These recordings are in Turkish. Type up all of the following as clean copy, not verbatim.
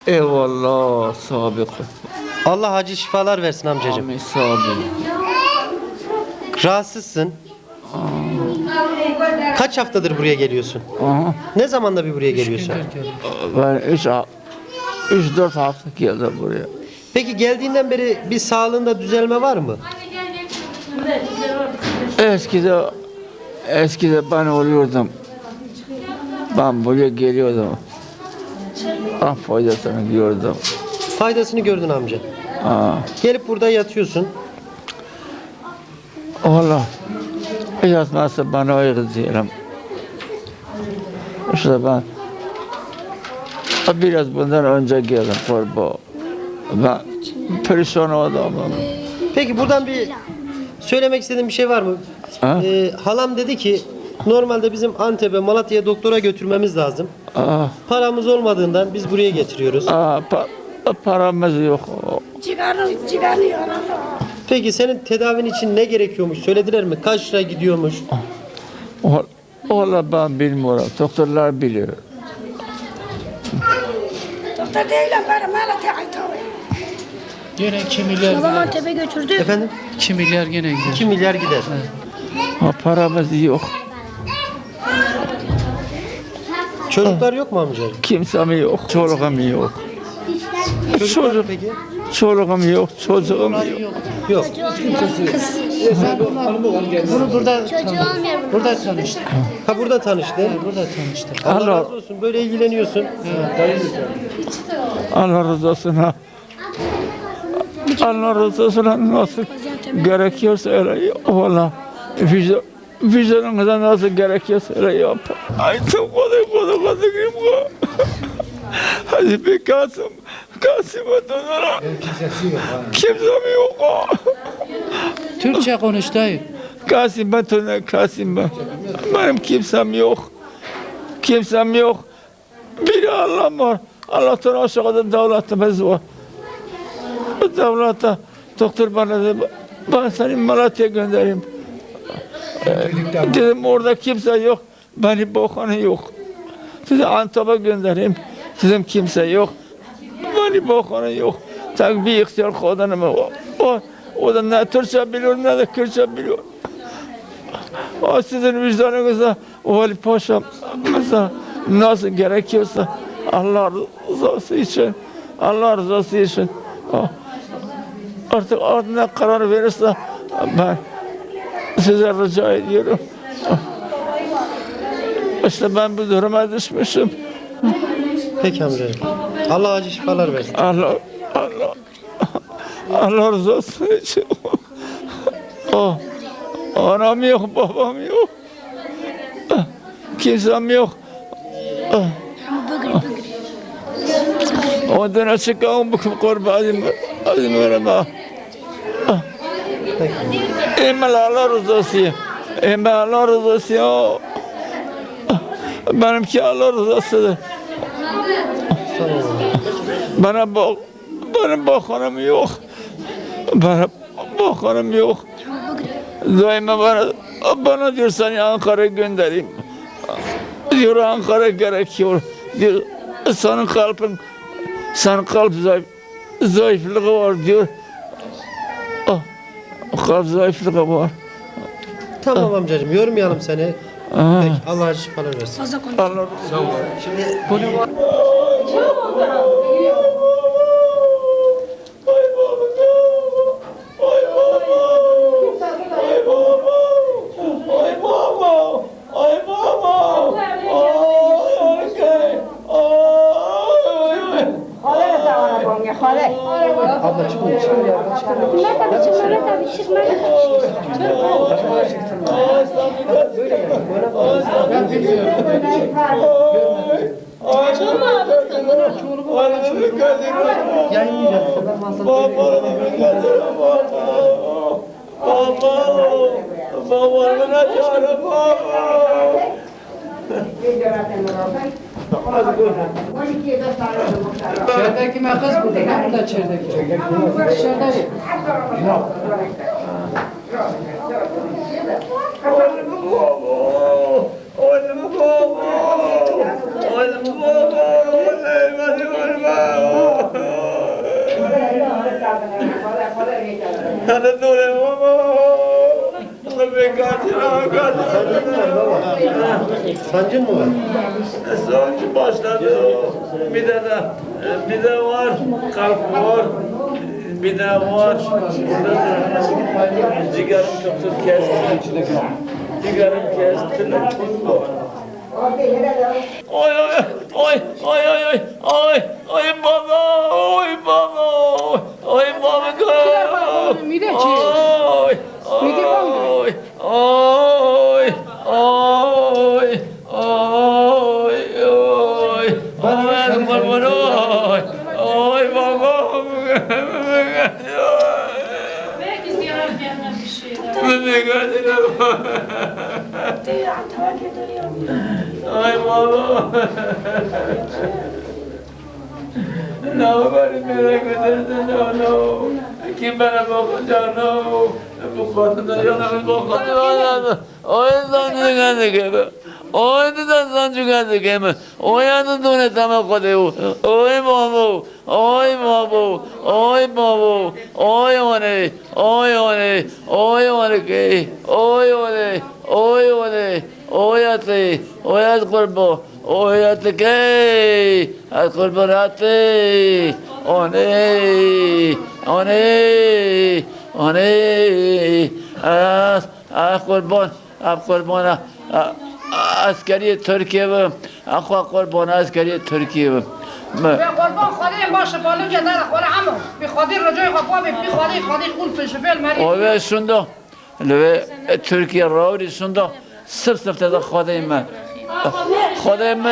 Eyvallah sabık. Allah acil şifalar versin amcacığım. Amin sabık. Rahatsızsın. Kaç haftadır buraya geliyorsun? Aha. Ne zamanda bir buraya geliyorsun? Ben 3-4 hafta geldim buraya. Peki geldiğinden beri bir sağlığında düzelme var mı? Eskide ben oluyordum. Ben buraya geliyordum. Ben faydasını gördüm. Faydasını gördün amca. Aa. Gelip burada yatıyorsun. Allah yatmazsa bana ayrı diyelim. İşte ben biraz bundan önce geldim kurban. Ben perişan adamım. Peki buradan bir söylemek istediğin bir şey var mı? Ha? Halam dedi ki normalde bizim Antep'e, Malatya'ya doktora götürmemiz lazım. Aa, Paramız olmadığından biz buraya getiriyoruz. paramız yok. Çıkarıyor. Peki senin tedavin için ne gerekiyormuş? Söylediler mi? Kaç lira gidiyormuş? Valla ben bilmiyorum. Doktorlar biliyor. Doktor değilim bana Malatya'ya ait. Gene 2 milyar Babam gider. Antep'e götürdü. Efendim? 2 milyar gene gider. 2 milyar gider. Paramız yok. Çocuklar yok mu amca? Kimsem yok. Çoluğum yok. Çocuklar peki? Çoluğum yok. Çocuğum yok. Yok. Bunu burada tanıştık. Ha burada tanıştı. Burada tanıştık. Allah Allah- razı olsun. Böyle ilgileniyorsun. Allah razı olsun. Ha. Allah razı olsun. Ha. Nasıl gerekiyorsa öyle valla. Vicdanınıza nasıl gerekiyorsa öyle yap. Ay çok koduk gibi bu. Hadi bir Kasım'a dönerim. Kimsem yok. Türkçe konuş dayı. Kasım'a dönerim. Kasım'a. Benim kimsem yok. Kimsem yok. Bir Allah var. Allah'tan aşağıda devletimiz var. Bu devlete doktor bana dedi, ben seni Malatya'ya göndereyim. Dedim orada kimse yok. Beni bakanı yok. Sizi Antep'e göndereyim. Dedim kimse yok. Beni bakanı yok. Tek bir ihtiyar kadınım var. O da ne Türkçe biliyor ne de Kürtçe biliyor. O sizin vicdanınıza Vali Paşa mesela nasıl gerekiyorsa Allah rızası için artık ne karar verirse ben size rica ediyorum. İşte ben bu duruma düşmüşüm. Peki amcacığım. Allah acil şifalar versin. Allah rızası için. Anam yok, babam yok. Kimsem yok. Ondan çıkan bu kurbanım. Azim vereme. Emel Allah rızası. Emel Allah rızası. Benimki Allah rızasıdır. Benim bakanım yok. Benim bakanım yok. Daima bana diyor seni Ankara'ya göndereyim. Diyor Ankara gerekiyor. Diyor senin kalp zayıflığı var diyor. Kalp zayıflığı var. Tamam amcacığım. Yormayalım seni. Peki Allah acil şifalar versin. Fazla konuş. Allah Abla çıkın. İçerideki makas burada. Burada içerideki. Dışarıda yok. Oğlum, Hadi dur baba. Be kaçıra. Sancın mı var? Sancı başladı. Bir de var. Kalp var. Bir de var. Cigarım çok kesti. Cigarım kesti. Oy baba, oy baba, oy baba go. Mide çiğ. Oy, Mide oy, oy, oy, oy, oy. Oy baba, oy, oy baba. Belki ziyaret yerine bir şey. Diyor, tava götürüyor. Ay baba. Ne var merak edersin onu. Kim bana bakacak onu. Bu kadına yanarız bakacak. O yüzden çıkardık gibi. O yüzden çıkardık gibi. O yanı döne tamam koduyor. Oy baba. Oy baba. Oy baba. Oy one. Oy one. Oy one ki. Oy one. Oy one. Oyatı. Oyat kurbu. Oyatı ki. At kurburatı. One. One. One. Kurban. Askeri Türkiye ve kurban askeri Türkiye ve به قربان خدای باشه بالو که داره خوره همون بی خودی رجای خواه بی خودی اون فشفل مری o ve şunda ve Türkiye rauri şunda sırf da Xodayım Xodayım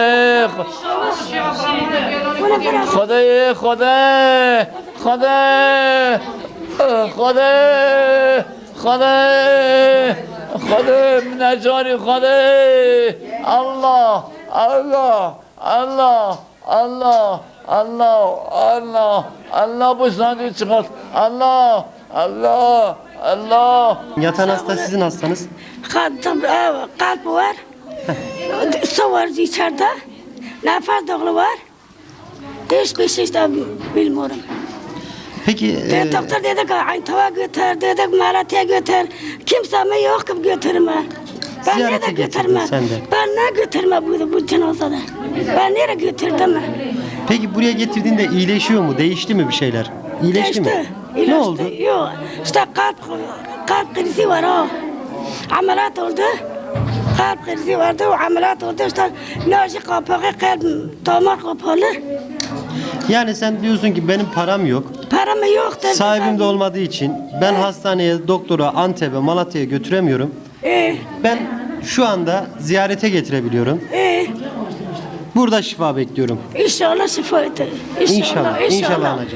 Xoday Xoday Xoday Xoday Xoday Xoday minacari Xoday Allah Allah Allah Allah Allah Allah Allah bu sancı çıkart Allah Allah Allah Yatan hasta sizin hastanız. Kalp var. Su var içeride. Nefes dolu var. Hiçbir şey de bilmiyorum. Peki Doktor dedi ki Aytava götür, dedik Malatya'ya götür. Kimse mi yok ki götürme. Ben Ziyarete nereye getirdin götürme? sen de. Ben ne götürme bu cenazada? Ben nereye götürdüm? peki buraya getirdiğinde iyileşiyor mu? Değişti mi bir şeyler? İyileşti mi? Ne oldu? Yok. İşte kalp krizi var o. Ameliyat oldu. Kalp krizi vardı, o ameliyat oldu. İşte nöji kapağı, kalp damar kapalı. Yani sen diyorsun ki benim param yok. Param yok dedi. Sahibim de olmadığı için ben hastaneye, doktora, Antep'e, Malatya'ya götüremiyorum. Ben şu anda ziyarete getirebiliyorum. Burada şifa bekliyorum. İnşallah şifa eder. İnşallah, inşallah anacığım.